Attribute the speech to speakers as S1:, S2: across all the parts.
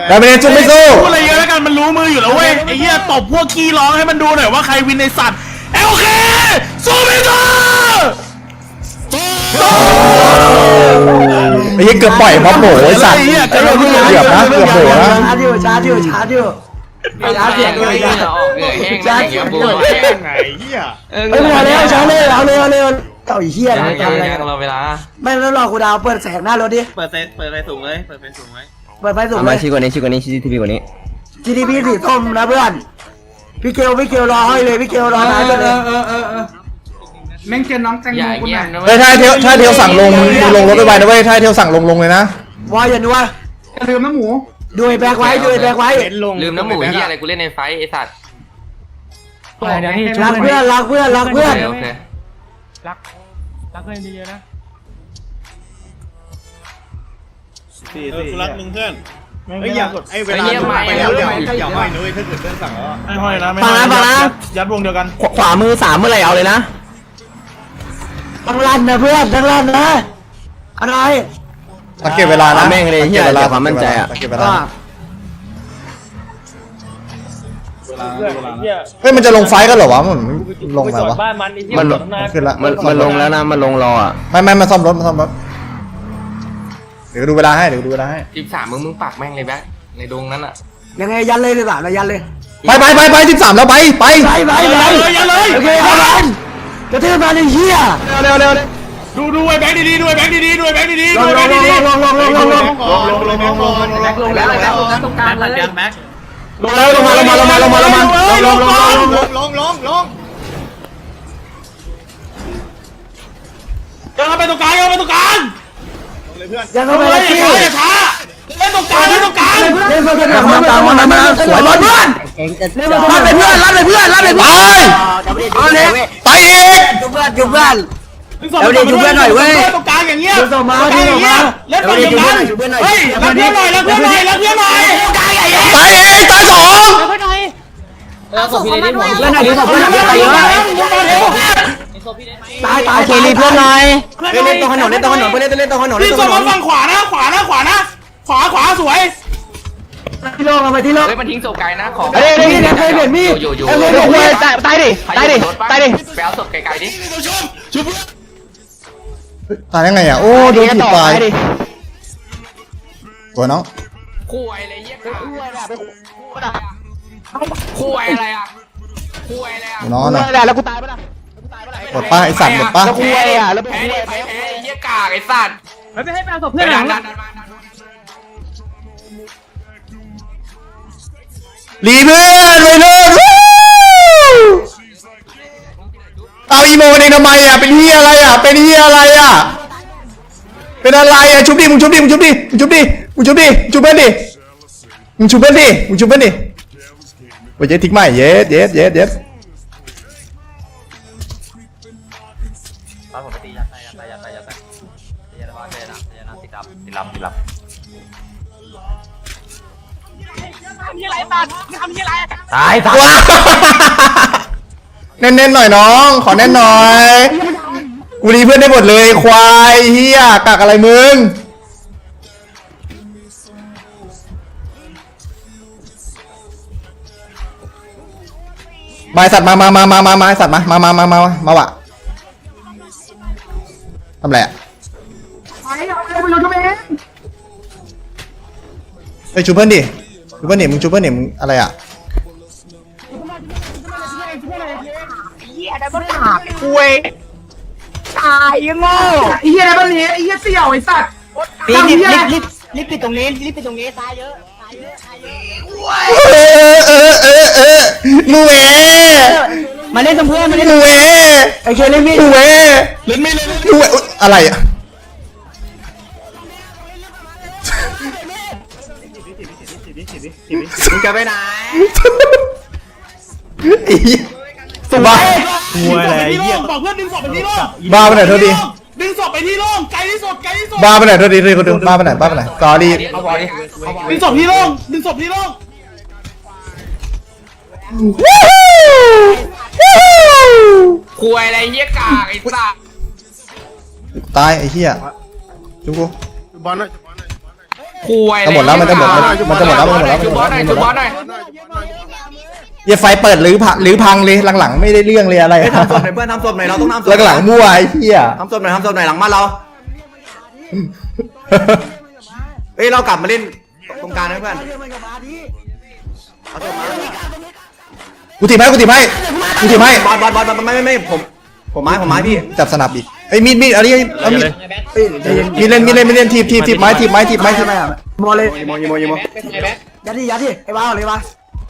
S1: แต่ไม่ได้จุ๊บไม่สู้
S2: พูดอะไรเยอะแล้วกันมันรู้มืออยู่แล้วเว้ยไอ้เหี้ยตบพวกขี้ร้องให้มันดูหน่อยว่าใครวินในสัตว์โอเคสู้ไม่สู้
S1: ไอ้เหี้ยเกือบปล่อยม็อบโหไอ้สัตว์เกือบนะเกือบโหนะ
S3: ชาร์จอยู่ชาร์จเสียงด้วยชาร์จเสียงด้วย
S2: ไงเหี้ย
S3: ไม่เอาแล้วชาร์จเลยเอาเลยเต่าเหี้ย
S4: ยังรอเวลา
S3: ไม่แล้วรอกูดาวเปิดแสงหน้ารถดิ
S2: เปิดไฟสูงเลยเปิดไฟสูงไหม
S3: เปิดไฟสูง
S4: มาชี้กว่านี้ทีพีกว่านี้
S3: GDP สีส้มนะเพื่อนพี่เกลรอให้เลยพี่เกลรอท้ายกันเลย
S5: แม่งเจอน้องแตงโมคนไหน
S1: เฮ้ยถ้าเที่ยวสั่งลงลงรถไปนะเว้ยถ้าเที่ยวสั่งลงเลยนะ
S3: วายอย่านัว
S5: ลืมน้ำหมู
S3: ดูไอ้แบกไว้
S4: ลืมน้ำหมูเหี้ยอะไรกูเล่นในไฟไอ้สัตว์
S3: รักเพื่อน
S4: โอเค
S6: รักเพื่อนดีๆนะ
S2: กูรักมึงเพื่อนไอ้ยากดไอ้เวลาไปแล้วอย่าห้อยนุ้ยถ้าเกิดเพื่อนสั่งแล้วไม่ห้อยนะไม่ห้อยยัดวงเดียวกัน
S4: ขวามือ3เมื่อไหร่เอาเลยนะ
S3: ทั้งลั่นนะเพื่อนทั้งลั่นนะอะไร
S1: สังเกตเวลานะ
S4: แม่งเลยเหี้ยเวลาความมั่นใจอ่ะ
S1: สังเกตเวลาเฮ้ยมันจะลงไฟกันเหรอวะมันลงแล้ววะ
S4: มัน
S1: ขึ้นละ
S4: มันลงแล้วนะมันลงรออ่ะ
S1: ไม่มาซ่อมรถเดี๋ยวดูเวลาให้
S4: 13มึงปักแม่งเลยแบ๊กในดงนั้นอ่ะ
S3: ยังไงยันเลย13นะยันเลย
S1: ไป13แล้วไป
S3: ยันเลยโอเคครับกระเทือนมาเลยเฮีย
S1: เร็ว
S2: ดูไอ้แบงค์ดีดูไอ้แบงค์ดี
S3: ลงแล้วตรงกลางเลย
S2: แม็ก
S1: ลงมา
S2: ยังไปตรงกลางเลยเพื่อน
S3: ยังเข้าไปเลย
S2: ช้าเล่นตรงกลาง
S3: เล่น
S1: มาสวยบอลเพื่อนรับเลยเพื่อนไปอีก
S3: จุบเพื่อน
S2: แล้วดิจุบเพื่อนหน่อยเว้ยตรงกลางอย่างเงี้ย
S3: ส่งมาเ
S2: ล่นฝั่งอย่างนั้นเฮ้ยรับเพื่อนหน่อยตายเอง
S1: ตาย2
S6: เพื่อนหน่อย
S3: ส่งพี่เลยดิเพื่อนหน่อยดิส่งเพื่อนหน่อยตาย
S4: เคลีเพื่อนหน่อย
S3: เล่นตรงถนนเล่นตรงถนนเพื่อนเล่นตรงถนน
S2: พี่ส่งมาฝั่งขวานะขวาสวย
S3: ที่โล่งเอาไปที่โล่ง
S4: เฮ้ยมันทิ้งโซไกนะของ
S3: เคยเห็นมีด
S4: อยู่
S3: ตายดิ
S4: ไปเอาศพไกลๆดิ
S1: ตายยังไงอ่ะโอ้โดนถีบตายตัวน้อง
S4: คู่อะไรเยี่ยคู่อะไรอ่ะ
S1: น้องนะ
S3: แล้วกูตายปะล่ะ
S1: หมดป้าไอสัตว์หมดป้า
S3: คู่อะไรอ่ะแล้ว
S4: แพ้เยี่ยกากไอสัตว์
S6: ไม่ให้แปลศพเพื่อนหลัง
S1: รีเพื่อนเลยเอาอีโมเองทำไมอ่ะเป็นเฮียอะไรอ่ะเป็นอะไรอ่ะชุบดิมึงชุบเพื่อนดิมึงชุบเพื่อนดิโอ้ยเย็ดทิ้งใหม่เย็ด
S4: ตาย
S1: เน้นหน่อยน้องขอเน้นหน่อยกูรีเพื่อนได้หมดเลยควายเฮียกักอะไรมึงมาสัตว์มาสัตว์มาวะทำไรอ่ะไปชูเพื่อนดิมึงชูเพื่อนดิมึงอะไรอ่ะ
S5: คุยตายยังโง่ไอ้เหี้ยอะไรบ้างเนี่ยไอ้เหี้ยเสี่ยวไอ้สัตว์
S3: รีบปิดตรงนี้ตายเยอะ
S1: มูเอ
S3: มาเล่นกับเพื่อนมาเล่น
S1: มูเอ
S3: ไอ้เคเล่นมีด
S1: มูเอมูเออะไรอ่ะ
S4: มึงจะไปไหน
S1: สุบ้า
S2: หัวอะไรบอกเพื่อนดึงศพไปที่โล่ง
S1: บ้าไปไหนเท่าดี
S2: ดึงศพไปที่โล่งไกลที่สุด
S1: บ้าไปไหนเท่าดีคนดูบ้าไปไหนสอรี่
S2: ดึงศพที่โล่ง
S4: คุยอะไรเยี่ยกากไอ้สัส
S1: ตายไอ้เหี้ยจุ๊กู
S2: บอลหน่อย
S4: คุย
S1: จะหมดแล้วมันจะหมดแล้วมันจะหมดแล้วมันจะหมดแล้ว
S4: จุบบอสหน่อยจุบบอสหน่อย
S1: เหี้ยไฟเปิดหรือพังเลยหลังๆไม่ได้เรื่องเลยอะไร
S3: ทำศพหน่อยเพื่อนทำศพหน่อยเราต้องทำศพ
S1: หลังๆมั่วไอ้เหี้ย
S3: ทำศพหน่อยหลังบ้านเราเฮ้ยเรากลับมาเล่นตรงกลางนะเพื่อนเอาศพมา
S1: กูถีบให้บอล
S3: ไม่ผมไม้พี่
S1: จับสนับอีกไอ้มีดอันนี้เอามีดมีเล่นทีบไม้
S3: โมเลยโมยัดดิไอ้บ้าเลยบ้า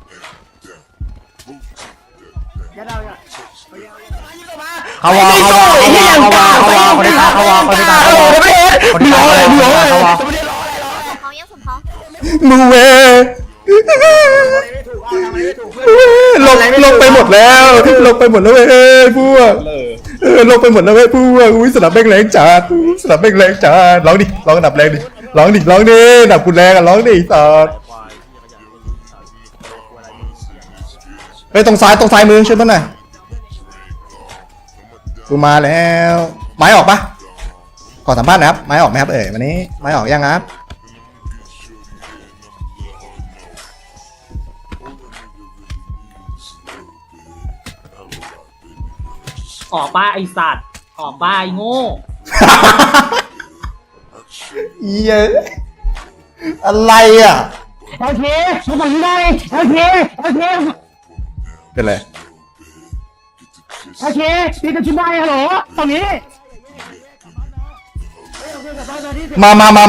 S3: เขาวอคนที่ตายเขาวอคนที่ตายเขาวอ
S7: เขายังสมเขา
S1: มูเวลงไปหมดแล้วเว้ยพวกลงไปหมดแล้วเว้ยพวกอุ้ยสนับแม่งแรงจัดร้องดิร้องดับแรงดิร้องดิดับกูแรงอ่ะร้องดิสัตว์ไปตรงซ้ายมือช่วยมันหน่อยกูมาแล้วไม้ออกปะขอสัมภาษณ์นะครับไม้ออกไหมครับวันนี้ไม้ออกยังครับ
S6: ออกป้าไอสัตว์ออกป้าไอโง่
S1: เย้อะไรอ่ะ
S6: โอเคมึงฝั่งนี้ได้โอเค
S1: เป็นไร
S6: ตีกันชิ้นได้ฮัลโหลฝั่งนี้
S1: มา
S6: อะไรนึง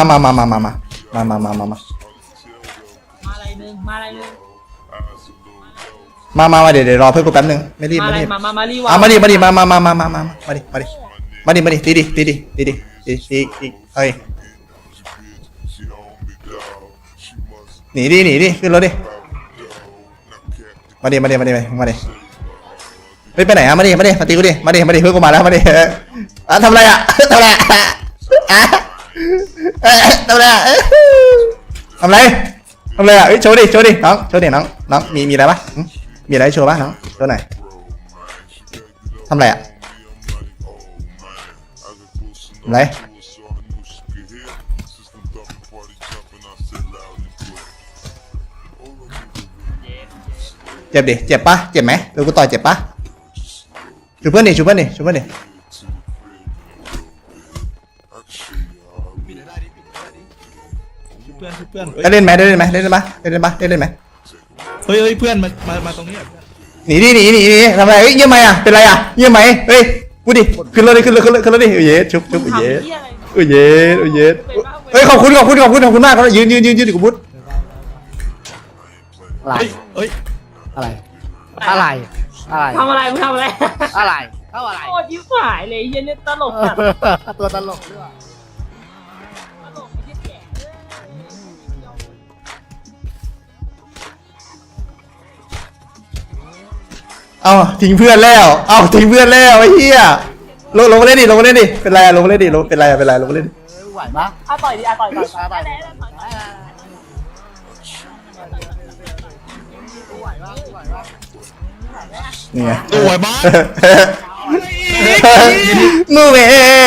S1: เดี๋ยวรอเพื่อนกูแป๊บนึงไม่รีบ
S6: มารีวะ
S1: มาดิตีดิเฮ้ยหนีดิขึ้นรถดิมาดิไปไหนอ่ะมาดิมาตีกูดิมาดิเพื่อนกูมาแล้วมาดิทำอะไรอ่ะทำอะไรอ่ะโชว์ดิน้องมีอะไรปะมีอะไรโชว์ปะน้องโชว์หน่อยทำอะไรอ่ะอะไรเจ็บดิเจ็บปะเจ็บไหมเดี๋ยวกูต่อยเจ็บปะชูเพื่อนดิได้เล่นไหมเฮ้ยเพื่อนมาตรงนี้หนีทำไมเยี่ยมไหมอ่ะเป็นไรอ่ะเยี่ยมไหมเฮ้ยพูดดิขึ้นรถดิเย้ชุบเย้เฮ้ยขอบคุณมากยืนดิกูพูด
S3: อะไร
S6: ทำอะไรมึงทำอะไร
S3: อะไร
S6: โคตรยิ้มหายเลยเย็นเนี่ยตลกจัด
S3: ตัวตลกด้วย
S1: เอาทิ้งเพื่อนแล้วไอ้เหี้ยลงมาเล่นดิเป็นไรลงมาเล่นดิเป็นไรลงมาเล่นดิ
S3: ไหวปะ
S6: ต่อยดิต่อย
S1: นี่ไง
S2: สวยมาก
S1: มูเว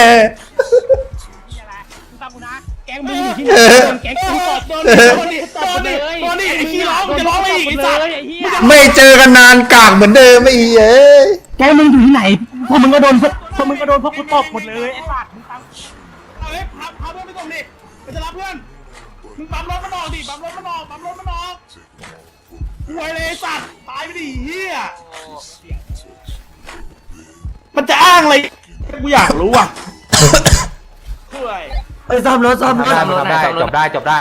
S6: แกงมึงอยู่ที่ไหนแกงกูตบโดนดิไอ้ขี้ร้องจะร้องไม่อีกไอ้สัตว์
S1: ไม่เจอกันนานกากเหมือนเดิมไม่เอ้ย
S6: แกมึงอยู่ที่ไหนพวกมึงก็โดนพวกกูตบหมดเลยไอ้สัตว์มึงตาม
S2: เอาเฮ้ยพาเพื่อนไปส่งดิไปจะรับเพื่อนมึงปั๊มรถมันออกหวยเลยสัตว์ตายไปดิเฮียมันจะอ้างอะไรกูอยากรู้อ่ะช่วย
S3: ไปซ่อมรถ
S4: จบได้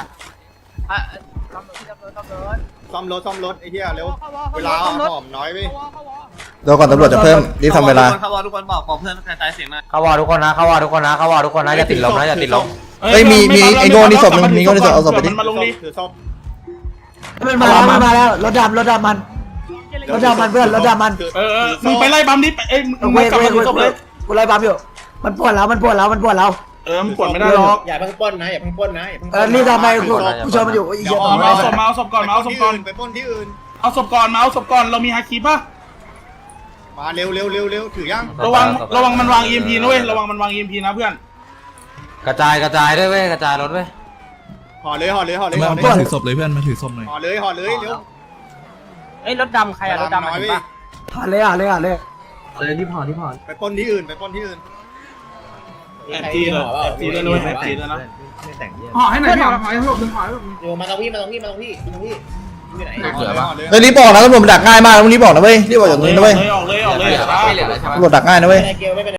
S2: ซ่อมรถไอ้เหี้ยเร็วเวลาหอมน้อยไป
S1: เดี๋ยวก่อนตำรวจจะเพิ่มรีบทำเวลา
S2: ทุกคนบอกขอเพื่อนกระจายเสียงหน่อย
S4: เขาวอทุกคนนะอย่าติดลม
S1: เฮ้ยมีไอ้โง่นี่ศพนึงมีโง่นี่ศพเอาศพไปดิ
S2: มันมาลงดิถือศพ
S3: มันมาแล้วรถดำมันเพื่อนรถดำมัน
S2: มึงไปไล่บัมดิเอ้ยมึงกลับมาถือศพเลย
S3: กูไล่บัมอยู่มันปวดเรา
S2: มันปวดไม่ได้หรอกอย่าเพิ่งป้นนะ
S3: นี่ทำไมกูชมมันอยู่อีกเยอะ
S2: เอาศพก่อนไปป้นที่อื่นเอาศพก่อนเรามีฮาคิปะมาเร็วถือยังระวังมันวาง EMP นะเว้ยระวังมันวาง EMP นะเพื่อน
S4: กระจายด้วยเว้ยกระจายรถเว้ย
S2: ห่อเลยห่อเลยห่อเลย
S8: มา
S2: ห่อเลย
S8: มาถือศพเลยเพื่อนมาถือศพหน่อย
S2: ห่อเลยห่อเลยเร็ว
S5: ไอ้รถดำใครอะรถดำ
S2: น้อย
S5: เห็น
S2: ไป
S5: ปะ
S3: ผ่านเลยอ่ะเลยอ่ะเลย
S2: ไปปล้นที่อื่นไปปล้นที่อื่น
S6: แอบจีเลยแอบจีเลยแอบจีเลยนะ
S5: ห่อให้หน่อยพี่ห่อให้หลบหนึ่งห่อ
S2: มาตรงพี่อยู่ไหน
S1: เฮ้ยรีบบอกนะตำรวจมันดักง่ายมากนะมึงรีบบอกนะเว้ยรีบบอกจากตรงนี้นะเว้ย
S6: ออกเลย
S4: ไม่เหลือแล้วใช่ไหม
S1: ตำรวจดักง่ายนะเว้ย
S2: เกลไม่เป็น